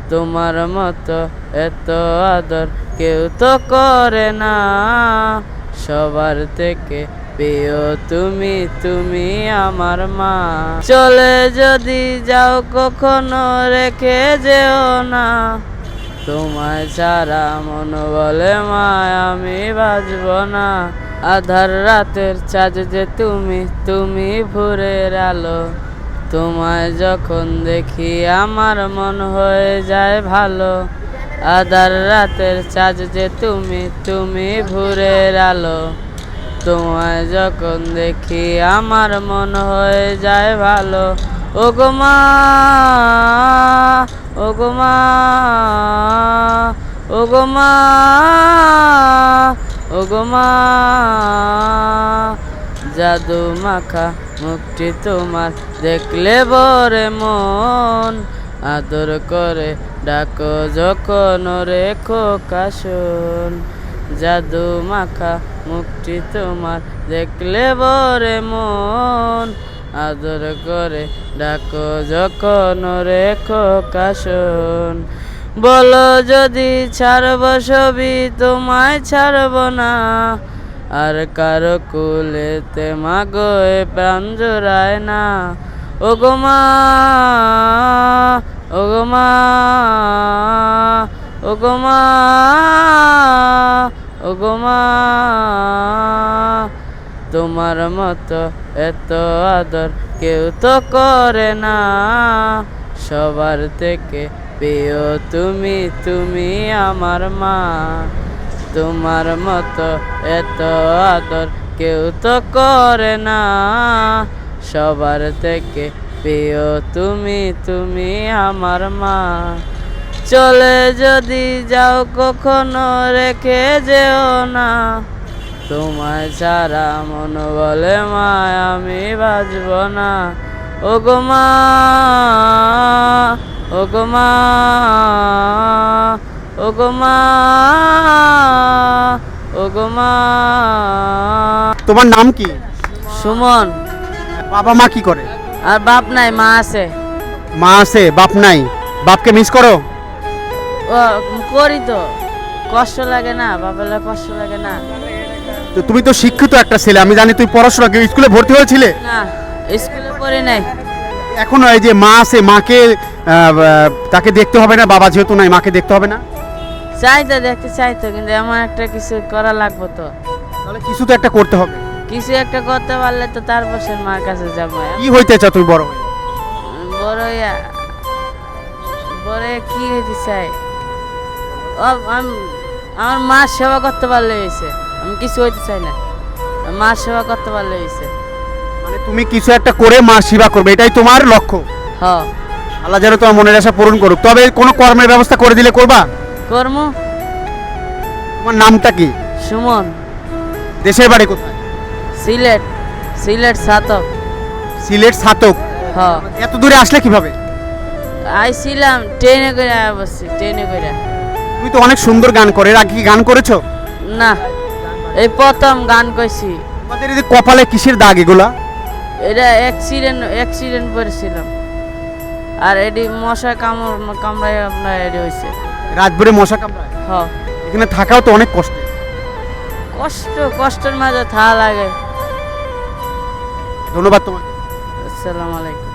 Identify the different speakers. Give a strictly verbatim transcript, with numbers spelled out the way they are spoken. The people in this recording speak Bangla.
Speaker 1: তোমার মতো এত আদর কেউ তো করে না, সবার থেকে প্রিয় তুমি, তুমি আমার মা। চলে যদি যাও কখনো রেখে যেও না, তোমায় ছাড়া মন বলে মা আমি বাঁচব না। আধার রাতের চাঁদ যে তুমি, তুমি ভোরের আলো, তোমায় যখন দেখি আমার মন হয়ে যায় ভালো। আধার রাতের চাঁদ যে তুমি, তুমি ভোরের আলো, তোমায় যখন দেখি আমার মন হয়ে যায় ভালো। ওগো মা, ওগো মা, ওগো মা, ওগো মা। জাদু মাখা মুখটি তোমার দেখলে বরে মন, আদর করে ডাকো যখন রেখো কাশন। জাদু মাখা মুখটি তোমার দেখলে বরে মন, আদর করে ডাকো যখন রেখো কাশন। বলো যদি ছাড়ব সবই তোমায় ছাড়ব না, আর কারো কুলেতে মাগো এ প্রাণ জোড়ায় না। ওগো মা, ওগো মা, ওগো মা, ওগো মা। তোমার মতো এত আদর কেউ তো করে না, সবার থেকে প্রিয় তুমি, তুমি আমার মা। তোমার মতো এত আদর কেউ তো করে না, সবার থেকে প্রিয় তুমি, তুমি আমার মা। চলে যদি যাও কখনো রেখে যেও না, তোমায় ছাড়া মন বলে মা আমি বাঁচব না। ওগো মা, ওগো মা, ওগো মা, ওগো মা।
Speaker 2: তোমার নাম কি?
Speaker 1: সুমন।
Speaker 2: বাবা মা কি করে?
Speaker 1: আর বাপ নাই, মা আছে।
Speaker 2: মা আছে, বাপ নাই। বাপকে মিস করো?
Speaker 1: ও করি তো, কষ্ট লাগে না, বাপের কষ্ট লাগে না।
Speaker 2: তো তুমি তো শিক্ষিত একটা ছেলে, আমি জানি তুই পড়াশোনা স্কুলে ভর্তি হয়েছিলে?
Speaker 1: না, স্কুলে পড়ি নাই।
Speaker 2: এখন এই যে মা আছে, মাকে তাকে দেখতে হবে না? বাবা যেহেতু নাই, মাকে দেখতে হবে না?
Speaker 1: চাইতো, দেখতে চাইতো, কিন্তু এমন একটা কিছু করা লাগবে তো।
Speaker 2: তাহলে কিছু তো একটা করতে হবে।
Speaker 1: কিছু একটা করতে পারলে তো তারপর সে মার কাছে যাবো।
Speaker 2: কি হইতে চাও তুমি বড় হয়ে?
Speaker 1: বড় হইয়া বড় হইয়া কি হইতে চাই? ও আমি আমার মার সেবা করতে পারলে হয়েছে, আমি কিছু হইতে চাই না। মার সেবা করতে পারলে হয়েছে।
Speaker 2: মানে তুমি কিছু একটা করে মা সেবা করবে, এটাই তোমার লক্ষ্য?
Speaker 1: হ্যাঁ।
Speaker 2: আল্লাহ যেন তোমার মনের আশা পূরণ করুক। তবে কোনো কর্মের ব্যবস্থা করে দিলে করবা?
Speaker 1: কর্ম।
Speaker 2: তোমার নামটা কি?
Speaker 1: সুমন।
Speaker 2: দেশের বাড়ি কোথায়?
Speaker 1: সিলেট। সিলেট ছাতক।
Speaker 2: সিলেট ছাতক?
Speaker 1: হ্যাঁ।
Speaker 2: এত দূরে আসলে কিভাবে?
Speaker 1: আইছিলাম ট্রেনে করে, বসছি ট্রেনে করে।
Speaker 2: তুমি তো অনেক সুন্দর গান করে, এর আগে কি গান করেছো?
Speaker 1: না, এই প্রথম গান কইছি।
Speaker 2: তোমাদের এই যে কপালে কিসের দাগ এগুলা?
Speaker 1: এটা অ্যাক্সিডেন্ট অ্যাক্সিডেন্ট করেছিলাম, আর এটি মশা কামড় কামড়ায় আপনার এটি হয়েছে।
Speaker 2: রাত ভরে মশা কামড়ায়?
Speaker 1: হ্যাঁ।
Speaker 2: এখানে থাকাও তো অনেক কষ্ট।
Speaker 1: কষ্ট, কষ্টের মাঝে থাকা লাগে।
Speaker 2: ধন্যবাদ তোমাকে।
Speaker 1: আসসালামু আলাইকুম।